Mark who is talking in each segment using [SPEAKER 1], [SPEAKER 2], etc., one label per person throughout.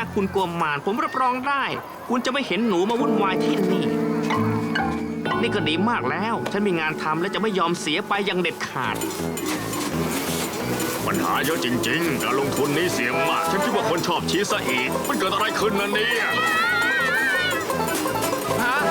[SPEAKER 1] คุณกลัวมารผมรับรองได้ คุณจะไม่เห็นหนูมาวุ่นวายที่นี่ นี่ก็ดีมากแล้ว ฉันมีงานทำและจะไม่ยอมเสียไปอย่างเด็ดขาด
[SPEAKER 2] ปัญหาเยอะจริงๆ การลงทุนนี้เสี่ยงมาก ฉันคิดว่าคนชอบชีสซะอีก มันเกิดอะไรขึ้นนะเนี่ย
[SPEAKER 1] ฮะ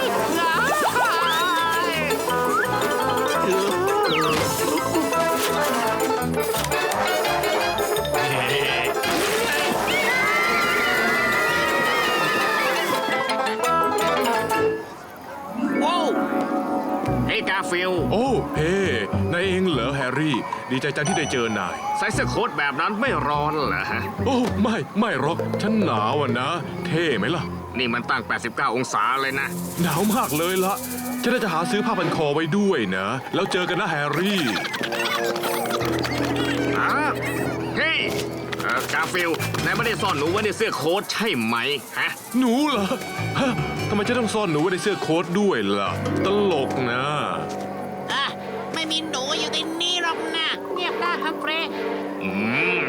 [SPEAKER 1] ว้าวเฮ้ยกาฟิล
[SPEAKER 3] โอ้เฮ้นายเองเหรอแฮร์รี่ ดีใจจังที่ได้เจอนาย
[SPEAKER 1] ใส่เสื้อโค้ทแบบนั้นไม่ร้อนเหรอฮะ
[SPEAKER 3] โอ้ไม่หรอกฉันหนาวอ่ะนะ เท่ไหมล่ะ
[SPEAKER 1] นี่มันตั้ง 89 องศาเลยนะ
[SPEAKER 3] หนาวมากเลยละฉันน่าจะหาซื้อผ้าพันคอไว้ด้วยนะ แล้วเจอกันนะแฮร์รี่
[SPEAKER 1] เฮ้ยกาฟิลนายไม่ได้ซ่อนหนูไว้ในเสื้อโค้ทใช่ไหมฮะ
[SPEAKER 3] หนูเหรอฮะทำไมจะต้องซ่อนหนูไว้ในเสื้อโค้ทด้วยล่ะ ตลกนะ
[SPEAKER 4] อ่ะไม่มีหนูอยู่ในนี้หรอกนะเงียบได้ครับเฟรย์
[SPEAKER 1] อืม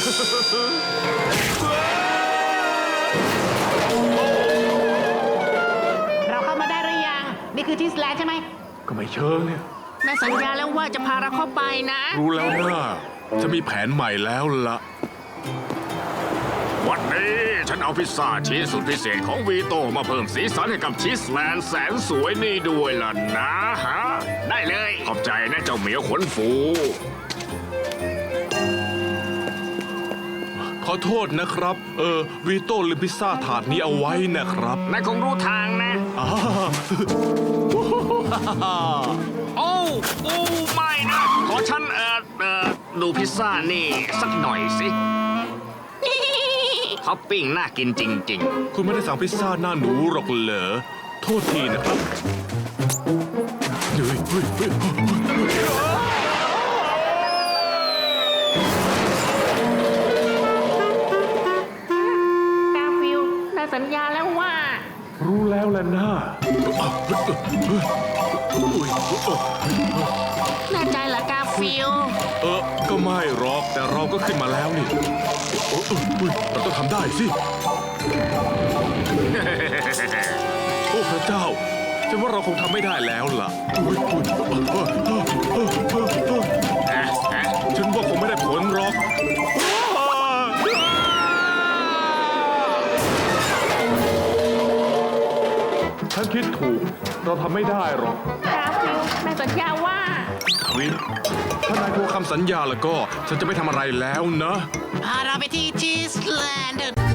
[SPEAKER 4] เราเข้ามาได้หรือยัง นี่คือที่สแลนด์ใช่ไหม
[SPEAKER 3] ก็ไม่เชิงเนี่ย
[SPEAKER 1] นายสัญญาแล้วว่าจะพาเราเข้าไปนะ
[SPEAKER 3] รู้แล้วนะจะมีแผนใหม่แล้วล่ะ
[SPEAKER 2] วันนี้ฉันเอาพิซซ่าชีสสุดพิเศษของวีโตมาเพิ่มสีสันให้กับชีสแลนด์แสนสวยนี่ด้วยล่ะนะฮะ
[SPEAKER 1] ได้เลย
[SPEAKER 2] ขอบใจนะเจ้าเหมียวขนฟู
[SPEAKER 3] ขอโทษนะครับ วีโต้ลืมพิซซ่าถาดนี้เอาไว้นะครับ
[SPEAKER 1] นายคงรู้ทางนะ
[SPEAKER 3] อ่า
[SPEAKER 1] โอ้ไม่นะ ขอฉันดูพิซซ่านี่สักหน่อยสิ ท็อปปิ้งน่ากินจริง
[SPEAKER 3] คุณไม่ได้สั่งพิซซ่าหน้าหนูหรอกเหรอ โทษทีนะครับเฮ้ย
[SPEAKER 4] กาฟิลนายสัญญาแล้วว่า
[SPEAKER 3] รู้แล้วแหละนะ
[SPEAKER 4] แน่ใจเหรอกาฟิล
[SPEAKER 3] ก็ไม่หรอก แต่เราก็ขึ้นมาแล้วนี่เราต้องทำได้สิ โอ้พระเจ้าฉันว่าเราคงทำไม่ได้แล้วล่ะฉันว่าคงไม่ได้ผลหรอก ฉันคิดถูก เราทำไม่ได้หรอก
[SPEAKER 4] กาฟิลนายสัญญาว่า
[SPEAKER 3] วินถ้านายกลัวคำสัญญาแล้วก็ ฉันจะไม่ทำอะไรแล้วนะ
[SPEAKER 4] พาเราไปที่ชีสแลนด์